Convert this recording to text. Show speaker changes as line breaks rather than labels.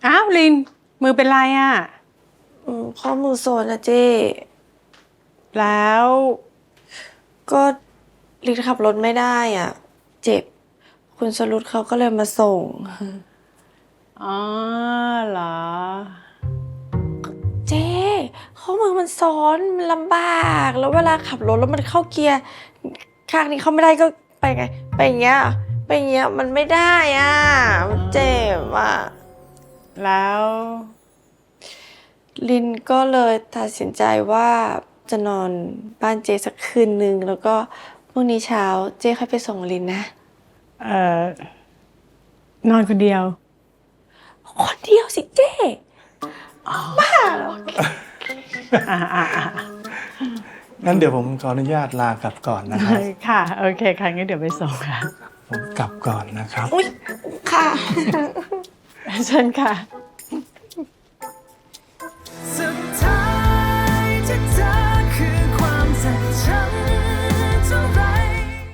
อ้าวลินมือเป็นไรอ่ะ
ข้อมือโซนนะเจ้
แล้ว
ก็ลินขับรถไม่ได้อ่ะ เจ็บ คุณสรุตเขาก็เลยมาส่ง
อ๋อเหรอ
เจ้ข้อมือมันซ้อนมันลำบาก แล้วเวลาขับรถแล้วมันเข้าเกียร์ข้างนี้เข้าไม่ได้ก็ไปไง ไปอย่างเงี้ยไปอย่างเงี้ยมันไม่ได้อ่ะมันเจ็บอ่ะ
แล้ว
ลินก็เลยตัดสินใจว่าจะนอนบ้านเจสักคืนนึงแล้วก็พรุ่งนี้เช้าเจค่อยไปส่งลินนะ
นอนคนเดียว
คนเดียวสิเจ้บ้าเหรอ
งั้นเดี๋ยวผมขออนุญาตลากลับก่อนนะครับ
ค่ะ โอเคค่ะงั้นเดี๋ยวไปส่งค่ะ
ผมกลับก่อนนะครับ
อุ๊ย ค่ะ
เชิญค่ะ